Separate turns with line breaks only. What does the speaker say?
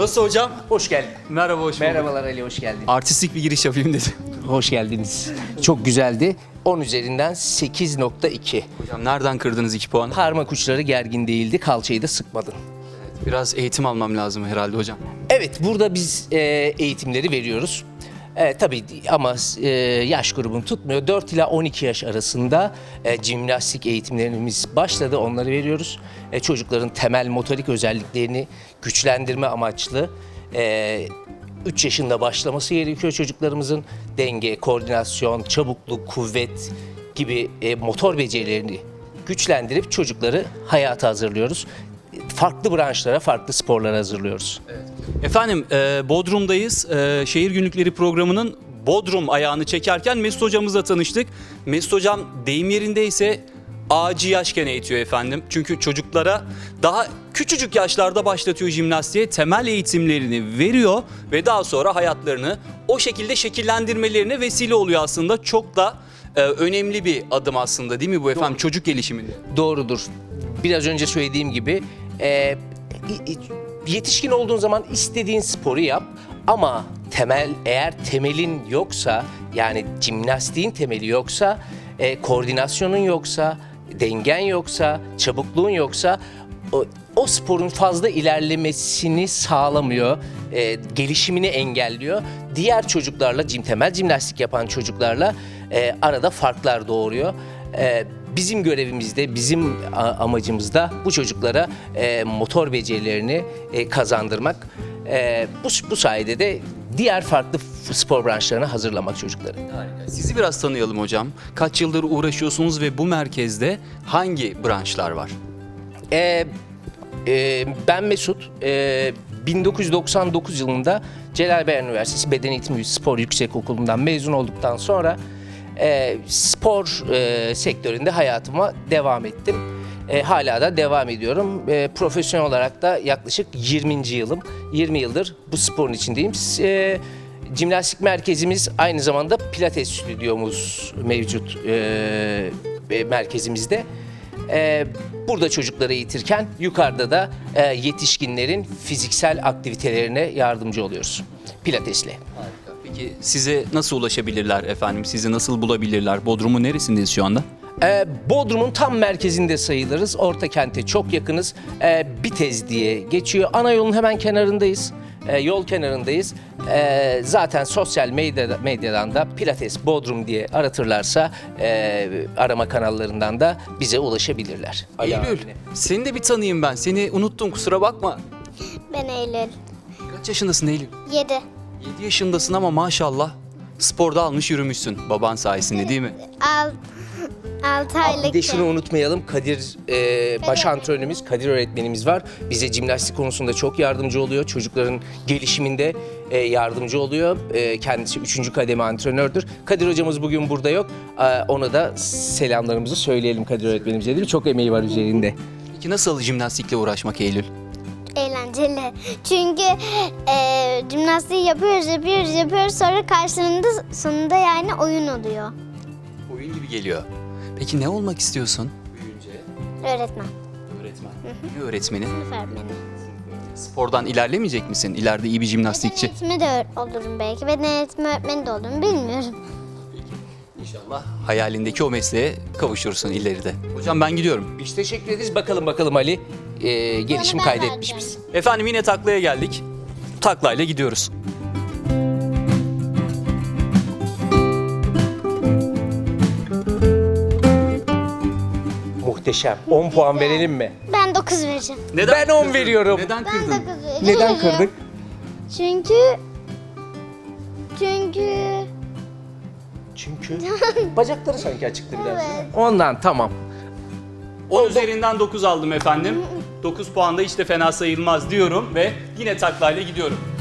Nasıl hocam?
Hoş geldin.
Merhaba, hoş bulduk.
Merhabalar Ali, hoş geldin.
Artistik bir giriş yapayım dedim.
Hoş geldiniz. Çok güzeldi. 10 üzerinden 8.2.
Hocam nereden kırdınız 2 puanı?
Parmak uçları gergin değildi, kalçayı da sıkmadın.
Biraz eğitim almam lazım herhalde hocam.
Evet, burada biz eğitimleri veriyoruz. Tabii ama yaş grubunu tutmuyor. 4 ila 12 yaş arasında jimnastik eğitimlerimiz başladı. Onları veriyoruz. Çocukların temel motorik özelliklerini güçlendirme amaçlı 3 yaşında başlaması gerekiyor çocuklarımızın. Denge, koordinasyon, çabukluk, kuvvet gibi motor becerilerini güçlendirip çocukları hayata hazırlıyoruz. Farklı branşlara, farklı sporlara hazırlıyoruz.
Efendim Bodrum'dayız. Şehir Günlükleri programının Bodrum ayağını çekerken Mesut hocamızla tanıştık. Mesut hocam deyim yerindeyse ağacı yaşken eğitiyor efendim. Çünkü çocuklara daha küçücük yaşlarda başlatıyor jimnastiğe, temel eğitimlerini veriyor ve daha sonra hayatlarını o şekilde şekillendirmelerine vesile oluyor aslında. Çok da önemli bir adım aslında, değil mi bu efendim, çocuk gelişiminde?
Doğrudur. Biraz önce söylediğim gibi yetişkin olduğun zaman istediğin sporu yap ama eğer temelin yoksa, yani jimnastiğin temeli yoksa, koordinasyonun yoksa, dengen yoksa, çabukluğun yoksa o sporun fazla ilerlemesini sağlamıyor, gelişimini engelliyor. Diğer çocuklarla, temel jimnastik yapan çocuklarla arada farklar doğuruyor. Bizim görevimizde, bizim amacımızda bu çocuklara motor becerilerini kazandırmak. Bu sayede de diğer farklı spor branşlarına hazırlamak çocukları.
Harika. Sizi biraz tanıyalım hocam. Kaç yıldır uğraşıyorsunuz ve bu merkezde hangi branşlar var?
Ben Mesut. 1999 yılında Celal Bayar Üniversitesi Beden Eğitimi Spor Yüksekokulu'ndan mezun olduktan sonra spor sektöründe hayatıma devam ettim. Hala da devam ediyorum. Profesyonel olarak da yaklaşık 20. yılım. 20 yıldır bu sporun içindeyim. Jimnastik merkezimiz aynı zamanda pilates stüdyomuz mevcut merkezimizde. Burada çocukları eğitirken yukarıda da yetişkinlerin fiziksel aktivitelerine yardımcı oluyoruz pilatesle.
Harika. Peki size nasıl ulaşabilirler efendim? Sizi nasıl bulabilirler? Bodrum'un neresindeyiz şu anda?
Bodrum'un tam merkezinde sayılırız. Orta kente çok yakınız. Bitez diye geçiyor. Ana yolun hemen kenarındayız. Yol kenarındayız. Zaten sosyal medyadan da Pilates Bodrum diye aratırlarsa arama kanallarından da bize ulaşabilirler.
Eylül, seni de bir tanıyayım ben. Seni unuttum, kusura bakma.
Ben Eylül.
Kaç yaşındasın Eylül?
7.
7 yaşındasın ama maşallah sporda almış yürümüşsün baban sayesinde, değil mi?
6
Bir
aylık.
de şunu unutmayalım, Kadir baş antrenörümüz, Kadir öğretmenimiz var. Bize jimnastik konusunda çok yardımcı oluyor. Çocukların gelişiminde yardımcı oluyor. Kendisi 3. kademe antrenördür. Kadir hocamız bugün burada yok. Ona da selamlarımızı söyleyelim Kadir öğretmenimize, değil mi? Çok emeği var üzerinde.
Peki nasıl jimnastikle uğraşmak Eylül?
Eğlenceli. Çünkü jimnastiği yapıyoruz. Sonra sonunda yani oyun oluyor.
Oyun gibi geliyor. Peki ne olmak istiyorsun? Büyüyünce
Öğretmen.
öğretmen. Ne öğretmeni?
Sınıf öğretmeni.
Spordan ilerlemeyecek misin? İleride iyi bir jimnastikçi.
Eğitimi de olurum belki. Beden eğitimi öğretmeni de olurum. Bilmiyorum.
İnşallah hayalindeki o mesleğe kavuşursun ileride. Hocam ben gidiyorum.
Biz teşekkür ederiz. Bakalım Ali gelişim
ben
kaydetmiş
vereceğim.
biz.
Efendim yine taklaya geldik. Taklayla gidiyoruz.
Muhteşem. 10 puan verelim mi?
Ben 9 vereceğim.
Neden
Ben 10
kırdın?
veriyorum.
Neden
Ben
kırdın?
9 vereceğim.
Neden kırdık?
Çünkü
Çünkü bacakları sanki açıktı biraz.
Evet.
Ondan tamam.
10 üzerinden 9 aldım efendim. 9 puan da hiç de fena sayılmaz diyorum ve yine taklayla gidiyorum.